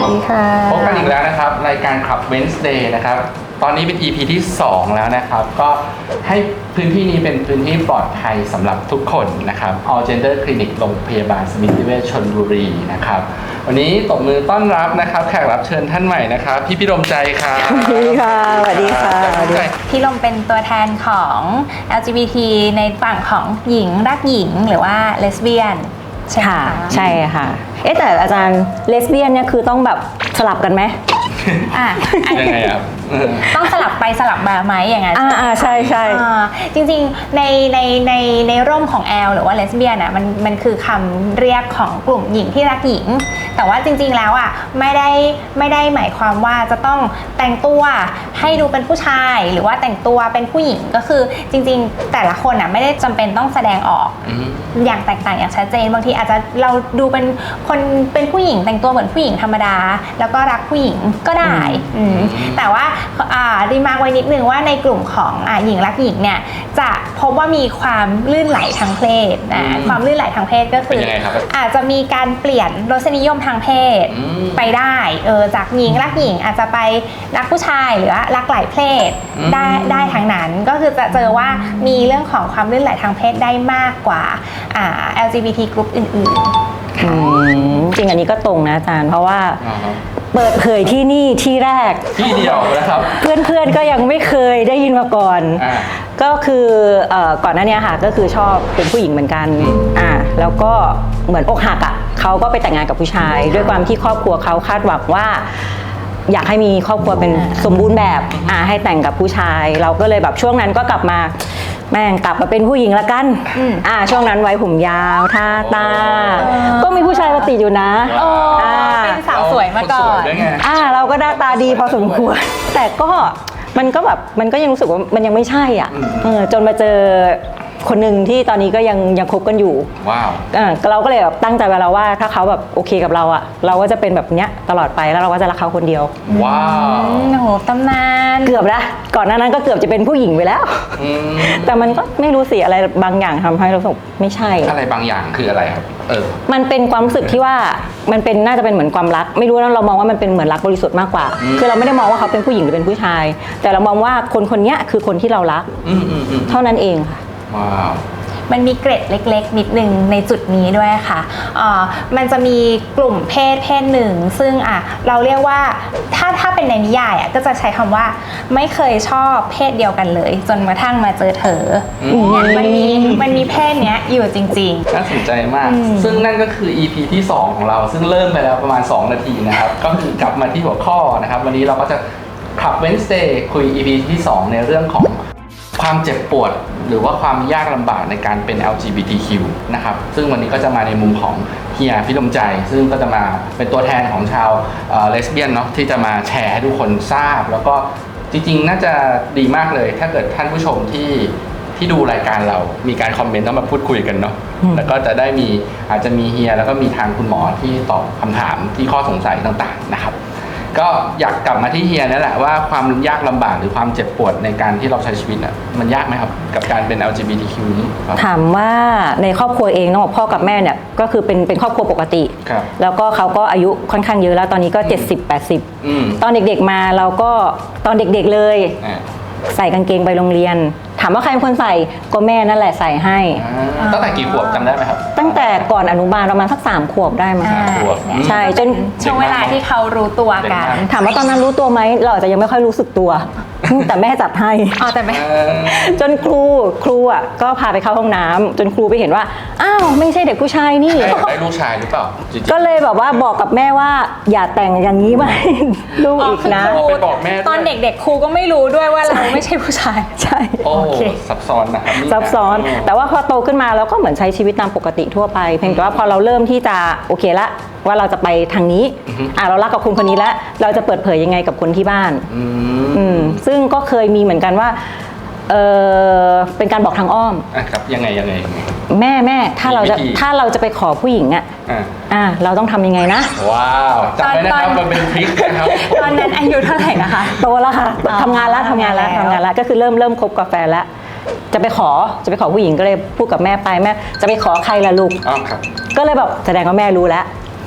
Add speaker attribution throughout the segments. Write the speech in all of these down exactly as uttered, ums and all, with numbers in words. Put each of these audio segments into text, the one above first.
Speaker 1: วัสดีค่ะ
Speaker 2: พบกันอีกแล้วนะครับรายการขับ Wednesday นะครับตอนนี้เป็น อี พี ที่สองแล้วนะครับก็ให้พื้นที่นี้เป็นพื้นที่ปลอดภัยสำหรับทุกคนนะครับ All Gender Clinic โรงพยาบาลสมิติเวชชลบุรีนะครับวันนี้ตบมือต้อนรับนะครับแขกรับเชิญท่านใหม่นะครับพี่พิรมใจครับ
Speaker 1: สวัสดีค่ะสวัสดีค่ะสวัสดีค่ะ
Speaker 3: พี่ลมเป็นตัวแทนของ แอล จี บี ที ในฝั่งของหญิงรักหญิงหรือว่าเลสเบี้ยนใช่ไหม
Speaker 1: ค่ะ
Speaker 3: คะ
Speaker 1: ใช่ค่ะเอ๊ะแต่อาจารย์เลสเบี้ยนเนี่ยคือต้องแบบสลับกันไหม
Speaker 3: อ่ะอัน
Speaker 2: ยังไงครับ
Speaker 3: ต้องสลับไปสลับมาไหมอย่างนั้น
Speaker 1: อ่าอ่าใช่ใช่
Speaker 3: อ่าจริงๆในในในในร่มของแอลหรือว่าเลสเบี้ยนอ่ะมันมันคือคำเรียกของกลุ่มหญิงที่รักหญิง แต่ว่าจริงๆแล้วอ่ะไม่ได้ไม่ได้หมายความว่าจะต้องแต่งตัวให้ดูเป็นผู้ชายหรือว่าแต่งตัวเป็นผู้หญิงก็คือจริงๆแต่ละคนอ่ะไม่ได้จำเป็นต้องแสดงออกอย่างแตกต่างอย่างชัดเจนบางทีอาจจะเราดูเป็นคนเป็นผู้หญิงแต่งตัวเหมือนผู้หญิงธรรมดาแล้วก็รักผู้หญิงก็ได้อืมแต่ว่าอ่ารีมาร์คไว้นิดนึงว่าในกลุ่มของอ่าหญิงรักหญิงเนี่ยจะพบว่ามีความลื่นไหลทางเพศนะความลื่นไหลทางเพศก็คืออาจจะมีการเปลี่ยนรสนิยมทางเพศไปได้เออจากหญิงรักหญิงอาจจะไปรักผู้ชายหรือว่ารักหลายเพศได้ได้ทางนั้นก็คือจะเจอว่ามีเรื่องของความลื่นไหลทางเพศได้มากกว่าอ่า แอล จี บี ที กลุ่มอื่นๆค่ะ
Speaker 1: จริงอันนี้ก็ตรงนะอาจารย์เพราะว่าเปิดเผยที่นี่ที่แรก
Speaker 2: ที่เดียวนะครับ
Speaker 1: เพื่อนๆก็ยังไม่เคยได้ยินมาก่อน ก็คือเอ่อก่อนหน้านี้ค่ะก็คือชอบเป็นผู้หญิงเหมือนกันอ่าแล้วก็เหมือนอกหักอ่ะเขาก็ไปแต่งงานกับผู้ชาย ด้วยความที่ครอบครัวเขาคาดหวังว่า อยากให้มีครอบครัวเป็นสมบูรณ์แบบอ่าให้แต่งกับผู้ชาย เราก็เลยแบบช่วงนั้นก็กลับมาแม่งกลับมาเป็นผู้หญิงละกันอ่าช่วงนั้นไว้ผมยาวทาตาก็มีผู้ชายมาติดอยู่นะ
Speaker 3: อ่าเป็นสาวสวยมาก่อน
Speaker 1: อ่าเราก็หน้าตาดีพอสมควร แต่ก็มันก็แบบมันก็ยังรู้สึกว่ามันยังไม่ใช่อ่ะเออจนมาเจอคนหนึ่งที่ตอนนี้ก็ยังยังคบกันอยู่
Speaker 2: ว้าว
Speaker 1: เออเราก็เลยแบบตั้งใจไว้แล้วว่าถ้าเขาแบบโอเคกับเราอ่ะเราก็จะเป็นแบบเนี้ยตลอดไปแล้วเราก็จะรักเขาคนเดียว
Speaker 2: ว้าว
Speaker 3: โอ้โหตำนาน
Speaker 1: เกือบละก่อนหน้านั้นก็เกือบจะเป็นผู้หญิงไปแล้วแต่มันก็ไม่รู้สิอะไรบางอย่างทำให้เราสึกไม่ใช่
Speaker 2: อะไรบางอย่างคืออะไรครับเออ
Speaker 1: มันเป็นความรู้สึกที่ว่ามันเป็นน่าจะเป็นเหมือนความรักไม่รู้นะเรามองว่ามันเป็นเหมือนรักบริสุทธิ์มากกว่าคือเราไม่ได้มองว่าเขาเป็นผู้หญิงหรือเป็นผู้ชายแต่เรามองว่าคนคนนี้คือคนที่เรารักเท่านั้นเองค่ะ
Speaker 2: ว้าว
Speaker 3: มันมีเกร็ดเล็กๆนิดนึงในจุดนี้ด้วยค่ะอ่ามันจะมีกลุ่มเพศเพศหนึ่งซึ่งอ่ะเราเรียกว่าถ้าถ้าเป็นในนิยายอ่ะก็จะใช้คำว่าไม่เคยชอบเพศเดียวกันเลยจนกระทั่งมาเจอเธอเนี่ยมันมีมันมีเพศเนี้ยอยู่จริง
Speaker 2: ๆน่าสนใจมากซึ่งนั่นก็คือ อี พี ที่สองของเราซึ่งเริ่มไปแล้วประมาณสองนาทีนะครับก็คือกลับมาที่หัวข้อนะครับวันนี้เราก็จะขับ Wednesday คุย อี พี ที่สองในเรื่องของความเจ็บปวดหรือว่าความยากลำบากในการเป็น แอล จี บี ที คิว นะครับซึ่งวันนี้ก็จะมาในมุมของเฮียพิรมใจซึ่งก็จะมาเป็นตัวแทนของชาวเลสเบี้ยนเนาะที่จะมาแชร์ให้ทุกคนทราบแล้วก็จริงๆน่าจะดีมากเลยถ้าเกิดท่านผู้ชมที่ที่ดูรายการเรามีการคอมเมนต์แล้วมาพูดคุยกันเนาะแล้วก็จะได้มีอาจจะมีเฮียแล้วก็มีทางคุณหมอที่ตอบคำถามที่ข้อสงสัยต่างๆนะครับก็อยากกลับมาที่เฮียนั่นแหละว่าความยากลำบากหรือความเจ็บปวดในการที่เราใช้ชีวิตอ่ะมันยากไหมครับกับการเป็น แอล จี บี ที คิว นี้
Speaker 1: ถามว่าในครอบครัวเองน้องพ่อกับแม่เนี่ยก็คือเป็นเป็นครอบครัวปกติแล้วก็เขาก็อายุค่อนข้างเยอะแล้วตอนนี้ก็เจ็ดสิบ แปดสิบตอนเด็กๆมาเราก็ตอนเด็กๆเลยใส่กางเกงไปโรงเรียนถามว่าใครเป็นคนใส่ก็แม่นั่นแหละใส่ให้
Speaker 2: ตั้งแต่กี่ขวบจำได้ไหมครับ
Speaker 1: ตั้งแต่ก่อนอนุบาลประมาณสักสามขวบได้มั้งใช่จน
Speaker 3: ช่วงเวลาที่เขารู้ตัวกัน
Speaker 1: ถามว่าตอนนั้นรู้ตัวไหมเราอาจจะยังไม่ค่อยรู้สึกตัวแต่แม่จัดให้
Speaker 3: อ๋อแต่แม่
Speaker 1: จนครูครูอ่ะก็พาไปเข้าห้องน้ำจนครูไปเห็นว่าอ้าวไม่ใช่เด็กผู้ชายนี่
Speaker 2: ได้ลูกชายหรือเปล่า
Speaker 1: ก็เลยแบบว่าบอกกับแม่ว่าอย่าแต่งอย่างนี้ไหมลูกอีกนะ
Speaker 2: ไปบอกแม่
Speaker 3: ตอนเด็กๆครูก็ไม่รู้ด้วยว่าเราไม่ใช่ผู้ชาย
Speaker 1: ใช่
Speaker 2: โอ้ซับซ้อนนะครับ
Speaker 1: ซับซ้อนแต่ว่าพอโตขึ้นมาเราก็เหมือนใช้ชีวิตตามปกติทั่วไปเพียงแต่ว่าพอเราเริ่มที่จะโอเคละว่าเราจะไปทางนี้อ่าเรารักกับคนคนนี้แล้วเราจะเปิดเผยยังไงกับคนที่บ้านอืมซึ่งก็เคยมีเหมือนกันว่าเออเป็นการบอกทางอ้อม
Speaker 2: อ่ะครับยังไงยังไง
Speaker 1: แม่แม่ถ้าเราจะถ้าเราจะไปขอผู้หญิงอ่ะอ่าเราต้องทำยังไงนะ
Speaker 2: ว้าวจำไว้นะครับมันเป็นทริคนะครับ
Speaker 3: ตอนนั้นอายุเท่าไหร่นะคะ
Speaker 1: โตแล้วค่ะทำงานแล้วทำงานแล้วทำงานแล้วก็คือเริ่มเริ่มคบกับแฟนแล้วจะไปขอจะไปขอผู้หญิงก็เลยพูดกับแม่ไปแม่จะไปขอใครล่ะลูก
Speaker 2: อ๋อครับ
Speaker 1: ก็เลยแบบแสดงว่าแม่รู้แล้ว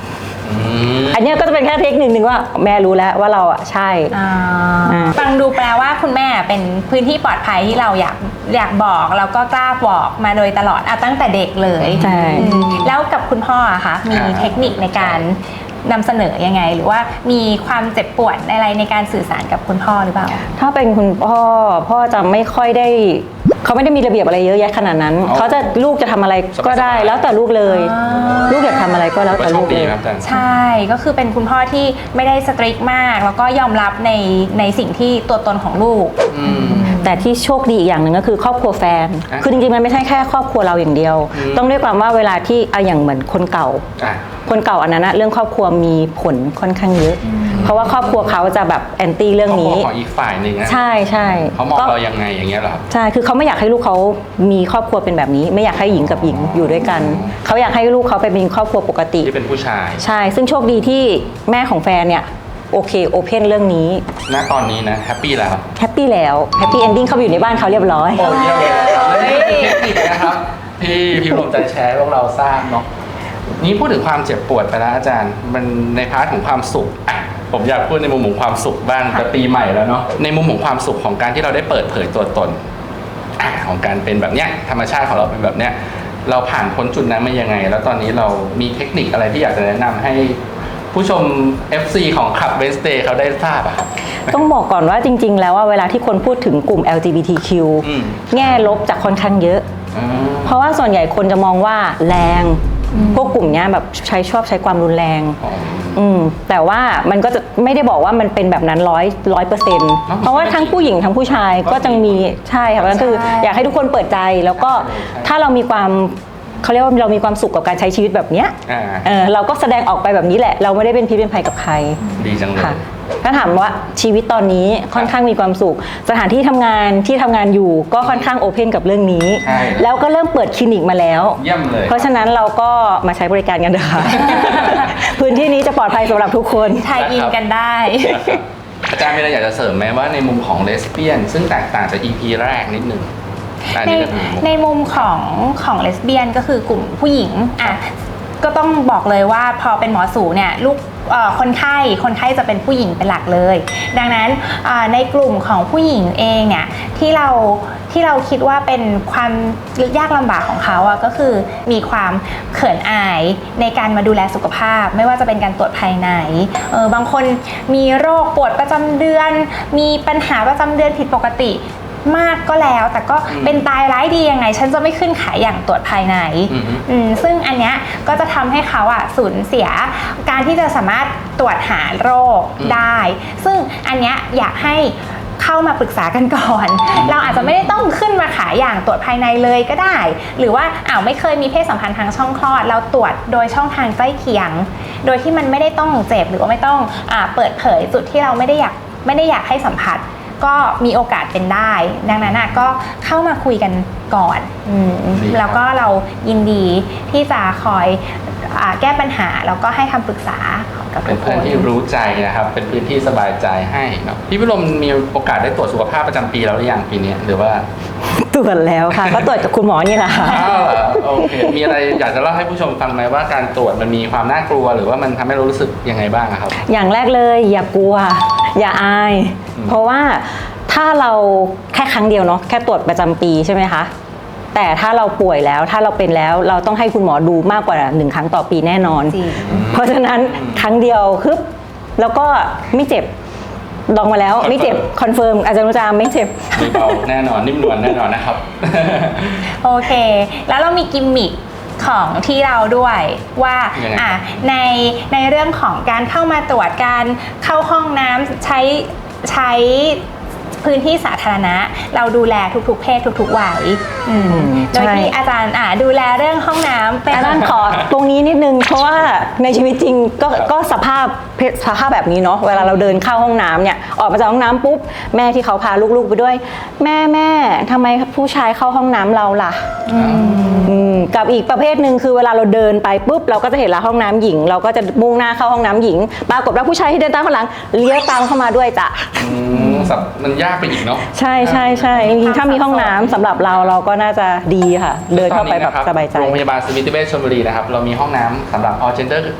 Speaker 1: อันเนี้ยก็จะเป็นแค่เทคนิคหนึ่งว่าแม่รู้แล้วว่าเราอ่ะใช่อ่า
Speaker 3: ฟังดูแปลว่าคุณแม่เป็นพื้นที่ปลอดภัยที่เราอยากอยากบอกแล้วก็กล้าบอกมาโดยตลอดอ่ะตั้งแต่เด็กเลย
Speaker 1: ใช่
Speaker 3: อืมแล้วกับคุณพ่ออะคะมีเทคนิคในการนำเสนอยังไง หรือว่ามีความเจ็บปวดอะไรในการสื่อสารกับคุณพ่อหรือเปล่า
Speaker 1: ถ้าเป็นคุณพ่อพ่อจะไม่ค่อยได้เขาไม่ได้มีระเบียบอะไรเยอะแยะขนาดนั้น
Speaker 2: อ๋อ
Speaker 1: เขาจะลูกจะทำอะไรก็ได้
Speaker 2: สบายๆ
Speaker 1: แล้วแต่ลูกเลย
Speaker 3: อ่า
Speaker 1: ลูกอยากทำอะไรก็แล้วแต่
Speaker 2: โช
Speaker 1: ลู
Speaker 2: ค
Speaker 1: ก
Speaker 2: ดี
Speaker 1: เลย
Speaker 2: ครับอาจารย์
Speaker 3: ใช่ก็คือเป็นคุณพ่อที่ไม่ได้สตริกมาก แล้วก็ยอมรับในในสิ่งที่ตัวตนของลูก
Speaker 2: อืม
Speaker 1: แต่ที่โชคดีอีกอย่างหนึ่งก็คือครอบครัวแฟน
Speaker 2: อ่ะ
Speaker 1: คือจริงๆมันไม่ใช่แค่ครอบครัวเราอย่างเดียว
Speaker 2: อืม
Speaker 1: ต้องด้วยความว่าเวลาที่เอาอย่างเหมือนคนเก่า
Speaker 2: อ่ะ
Speaker 1: คนเก่าอันนั้นนะเรื่องครอบครัวมีผลค่อนข้างเยอะ เพราะว่าครอบครัวเขาจะแบบแอนตี้เรื่องนี้
Speaker 2: ครอบครัวของอีกฝ่ายหนึ่งนะ
Speaker 1: ใช่ใช่
Speaker 2: เขามอง
Speaker 1: ก็
Speaker 2: เรายังไงอย่างเงี้ยเหรอครับ
Speaker 1: ใช่คือเขาไม่อยากให้ลูกเขามีครอบครัวเป็นแบบนี้ ไม่อยากให้หญิงกับหญิงอยู่ด้วยกัน เขาอยากให้ลูกเขาไปมีครอบครัวปกติ
Speaker 2: ที่เป็นผู้ชาย
Speaker 1: ใช่ ซึ่งโชคดีที่แม่ของแฟนเนี่ยโอเคโอเพนเรื่องนี้
Speaker 2: ณตอนนี้นะแฮปปี้แล้ว
Speaker 1: แฮปปี้แล้วแฮปปี้เอนดิ้งเขาไปอยู่ในบ้านเขาเรียบร้อย
Speaker 2: โอ้เยี่ยมเลยนะครับและนี่คือเทคนิคนะครับที่พี่ลมใจแชร์ให้พวกเราทราบเนาะนี่พูดถึงความเจ็บปวดไปแล้วอาจารย์มันในพาร์ทของความสุขอ่ะผมอยากพูดในมุมของความสุขบ้างแต่ปีใหม่แล้วเนาะในมุมของความสุขของการที่เราได้เปิดเผยตัวตนอ่ะของการเป็นแบบเนี้ยธรรมชาติของเราเป็นแบบเนี้ยเราผ่านพ้นจุดนั้นมายังไง แล้วตอนนี้เรามีเทคนิคอะไรที่อยากจะแนะนำให้ผู้ชม เอฟ ซี ของคลับ Wednesday เขาได้ทราบอะครับ
Speaker 1: ต้องบอกก่อนว่าจริง ๆ แล้วว่าเวลาที่คนพูดถึงกลุ่ม แอล จี บี ที คิว
Speaker 2: อืม
Speaker 1: แง่ลบจะค่อนข้างเยอะ
Speaker 2: อืม
Speaker 1: เพราะว่าส่วนใหญ่คนจะมองว่าแรง พวกกลุ่มเนี้ยแบบใช้ชอบใช้ความรุนแรง
Speaker 2: อ๋อ
Speaker 1: อืมแต่ว่ามันก็จะไม่ได้บอกว่ามันเป็นแบบนั้นร้อยร้อยเปอร์เซ็นต์
Speaker 2: อ๋อ
Speaker 1: เพราะว่าทั้งผู้หญิงทั้งผู้ชายก็จะมีใช่ค่ะก็คือ
Speaker 3: ใช่
Speaker 1: อยากให้ทุกคนเปิดใจแล้วก็
Speaker 2: ใช่ใช่
Speaker 1: ถ้าเรามีความเขาเรียกว่าเรามีความสุขกับการใช้ชีวิตแบบเนี้ย
Speaker 2: อ่า
Speaker 1: เออเราก็แสดงออกไปแบบนี้แหละ เราไม่ได้เป็นพิษเป็นภัยกับใคร
Speaker 2: ดีจังเลย
Speaker 1: ค่ะถ้าถามว่าชีวิตตอนนี้ค่อนข้างมีความสุข สถานที่ทำงานที่ทำงานอยู่ก็ค่อนข้างโอเพนกับเรื่องนี้
Speaker 2: ใช่
Speaker 1: แล้วก็เริ่มเปิดคลินิกมาแล้ว
Speaker 2: เยี่ยมเลย
Speaker 1: เพราะฉะนั้นเราก็มาใช้บริการกันเถอะค่ะ พื้นที่นี้จะปลอดภัยสำหรับทุกคน
Speaker 3: ไทยอินกันได้
Speaker 2: นะครับอาจารย์มีอะไรอยากจะเสริมไหมว่าในมุมของเลสเบี้ยนซึ่งแตกต่างจาก อี พี แรกนิดนึงอัน
Speaker 3: ใน
Speaker 2: นี้ก็คือมุม
Speaker 3: ในมุมของของเลสเบี้ยนก็คือกลุ่มผู้หญิงอ่ะก็ต้องบอกเลยว่าพอเป็นหมอสูเนี่ยลูกเอ่อคนไข้คนไข้จะเป็นผู้หญิงเป็นหลักเลย ดังนั้นอ่าในกลุ่มของผู้หญิงเองเนี่ยที่เราที่เราคิดว่าเป็นความยากลำบากของเขาอะก็คือมีความเขินอายในการมาดูแลสุขภาพ ไม่ว่าจะเป็นการตรวจภายในเออบางคนมีโรคปวดประจำเดือน มีปัญหาประจำเดือนผิดปกติมากก็แล้วแต่ก็เป็นตายร้ายดียังไง ฉันจะไม่ขึ้นขายอย่างตรวจภายใน
Speaker 2: อือฮึ
Speaker 3: อืมซึ่งอันเนี้ยก็จะทำให้เขาอะสูญเสียการที่จะสามารถตรวจหาโรคได้ ซึ่งอันเนี้ยอยากให้เข้ามาปรึกษากันก่อน เราอาจจะไม่ได้ต้องขึ้นมาขายอย่างตรวจภายในเลยก็ได้ หรือว่าอ้าวไม่เคยมีเพศสัมพันธ์ทางช่องคลอด เราตรวจโดยช่องทางใกล้เคียง โดยที่มันไม่ได้ต้องเจ็บหรือว่าไม่ต้องอ่าเปิดเผยจุดที่เราไม่ได้อยากไม่ได้อยากให้สัมผัส ก็มีโอกาสเป็นได้ ดังนั้นนะก็เข้ามาคุยกันก่อนอืม
Speaker 2: ดีครับ
Speaker 3: แล้วก็เรายินดีที่จะคอยอาแก้ปัญหาแล้วก็ให้คำปรึกษากับ
Speaker 2: เป็
Speaker 3: ทุ
Speaker 2: น
Speaker 3: กค
Speaker 2: เพื่อน
Speaker 3: น
Speaker 2: ที่รู้ใจนะครับ เป็นพื้นที่สบายใจให้เนาะพี่พิรมมีโอกาสได้ตรวจสุขภาพประจำปีแล้วหรือยังปีนี้หรือว่า
Speaker 1: ตรวจแล้วค่ะ ก็ตรวจกับคุณหมอนี่แหละค่ะ
Speaker 2: อ้าวเหรอโอเค มีอะไรอยากจะเล่าให้ผู้ชมฟังไหมว่าการตรวจมันมีความน่ากลัว หรือว่ามันทำให้เรารู้สึกยังไงบ้างอะครับ
Speaker 1: อย่างแรกเลยอย่ากลัว อย่าอาย
Speaker 2: อืม
Speaker 1: เพราะว่าถ้าเราแค่ครั้งเดียวเนาะแค่ตรวจประจำปีใช่ไหมคะแต่ถ้าเราป่วยแล้วถ้าเราเป็นแล้วเราต้องให้คุณหมอดูมากกว่าหนึ่งครั้งต่อปีแน่นอน
Speaker 3: จริง
Speaker 1: เพราะฉะนั้นครั้งเดียวคึบแล้วก็ไม่เจ็บลองมาแล้วไม่เจ็บคอนเฟิร์มอาจารย์นุจามไม่เจ็บ
Speaker 2: มีเบาแน่นอนนิ่มนวลแน่นอนนะครับ
Speaker 3: โอเค แล้วเรามีกิมมิคของที่เราด้วยว่า
Speaker 2: ยังไง
Speaker 3: อ่ะในในเรื่องของการเข้ามาตรวจการเข้าห้องน้ำใช้ใช้พื้นที่สาธารณะ เราดูแลทุกๆ เพศทุกๆวัยอืม
Speaker 1: ใช่
Speaker 3: โดยที่อาจารย์อ่ะดูแลเรื่องห้องน้ำเป็น
Speaker 1: อาจารย์ขอตรงนี้นิดนึงเพราะว่าในชีวิตจริงก็ก็สภาพสภาพแบบนี้เนาะเวลาเราเดินเข้าห้องน้ำเนี่ยออกมาจากห้องน้ำปุ๊บแม่ที่เขาพาลูกๆไปด้วย แม่แม่ทำไมผู้ชายเข้าห้องน้ำเราล่ะอืมกับอีกประเภทหนึ่งคือเวลาเราเดินไปปุ๊บเราก็จะเห็นละห้องน้ำหญิง เราก็จะมุ่งหน้าเข้าห้องน้ำหญิงปรากฏว่าผู้ชายที่เดินตามข้างหลังเลี้ยวตามเข้ามาด้วยจ้ะ
Speaker 2: อืมสับมันยากไปอีกเนาะ
Speaker 1: ใช่ใช่ใช่จริงๆถ้ามีห้องน้ำสำหรับเราเราก็น่าจะดีค่ะ เดินเข้าไปแบบสบายใจ
Speaker 2: โรงพยาบาลสมิติเวชชลบุรีนะครับ เรามีห้องน้ำสำหรับ all gender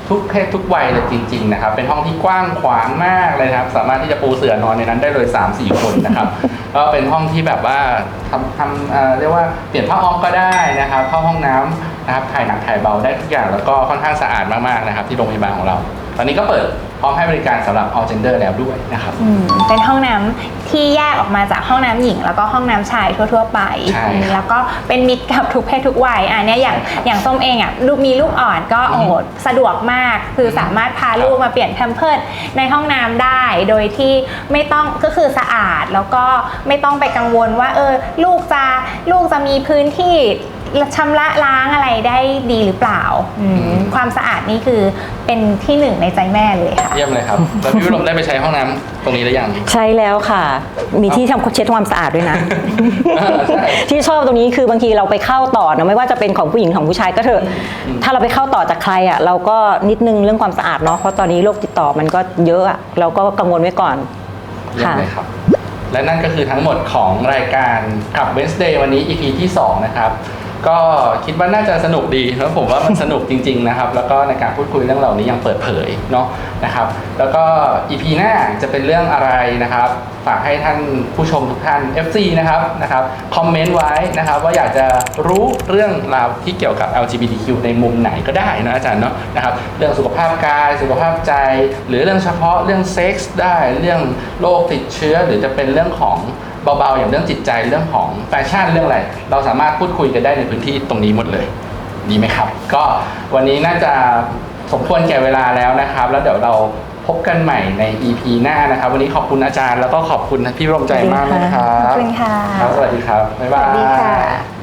Speaker 2: ทุกเพศทุกวัยเลยจริงๆนะครับเป็นห้องที่กว้างขวางมากเลยนะครับสามารถที่จะปูเสื่อนอนในนั้นได้เลย สามสี่ คนนะครับ ก็เป็นห้องที่แบบว่าทำทำเอ่อเรียกว่าเปลี่ยนผ้าอ้อมก็ได้นะครับเข้าห้องน้ำนะครับถ่ายหนักถ่ายเบาได้ทุกอย่างแล้วก็ค่อนข้างสะอาดมากๆนะครับที่โรงพยาบาลของเราตอนนี้ก็เปิดพร้อมให้บริการสำหรับ all gender แล้วด้วยนะครับ
Speaker 3: อืมเป็นห้องน้ำที่แยกออกมาจากห้องน้ำหญิง แล้วก็ห้องน้ำชายทั่วๆไป
Speaker 2: ใช่ครับ
Speaker 3: แล้วก็เป็นมิตรกับทุกเพศทุกวัยอ่ะเนี่ยอย่างอย่างส้มเองอ่ะลูกมีลูกอ่อนก็โอ้โหสะดวกมากคือสามารถพาลูกมาเปลี่ยนแพมเพิร์สในห้องน้ำได้โดยที่ไม่ต้องก็คือสะอาดแล้วก็ไม่ต้องไปกังวลว่าเออลูกจะลูกจะมีพื้นที่ชำระล้างอะไรได้ดีหรือเปล่าอืมความสะอาดนี่คือเป็นที่หนึ่งในใจแม่เลยค่ะ
Speaker 2: เยี่ยมเลยครับแล้วพี่วิรมได้ไปใช้ห้องน้ำตรงนี้หรือยัง
Speaker 1: ใช้แล้วค่ะ มีที่ทำเช็ดความสะอาดด้วยนะ
Speaker 2: ใช่
Speaker 1: ที่ชอบตรงนี้คือบางทีเราไปเข้าต่อนะไม่ว่าจะเป็นของผู้หญิงของผู้ชายก็เถอะถ้าเราไปเข้าต่อจากใครอ่ะเราก็นิดนึงเรื่องความสะอาดเนาะเพราะตอนนี้โรคติดต่อมันก็เยอะอะเราก็กังวลไว้ก่อน
Speaker 2: เยี่ยมเลยครับและนั่นก็คือทั้งหมดของรายการขับ Wednesday วันนี้ อี พี ที่สองนะครับก็คิดว่าน่าจะสนุกดีแล้วผมว่ามันสนุกจริงๆนะครับแล้วก็ในการพูดคุยเรื่องเหล่านี้ยังเปิดเผยเนาะนะครับแล้วก็ อี พี หน้าจะเป็นเรื่องอะไรนะครับฝากให้ท่านผู้ชมทุกท่าน เอฟ ซี นะครับนะครับคอมเมนต์ไว้นะครับว่าอยากจะรู้เรื่องราวที่เกี่ยวกับ แอล จี บี ที คิว ในมุมไหนก็ได้นะอาจารย์เนาะนะครับเรื่องสุขภาพกายสุขภาพใจหรือเรื่องเฉพาะเรื่องเซ็กส์ได้เรื่องโรคติดเชื้อหรือจะเป็นเรื่องของเบาๆอย่างเรื่องจิตใจเรื่องของแฟชั่นเรื่องอะไรเราสามารถพูดคุยกันได้ในพื้นที่ตรงนี้หมดเลยดีไหมครับก็วันนี้น่าจะสมควรแก่เวลาแล้วนะครับแล้วเดี๋ยวเราพบกันใหม่ใน อี พี หน้านะครับวันนี้ขอบคุณอาจารย์แล้วก็ขอบคุณพี่ร่มใจมากนะครับ
Speaker 3: ขอบคุณค่ะ
Speaker 2: ครับสวัสดีครับบ๊ายบาย
Speaker 3: สวัสดีค่ะ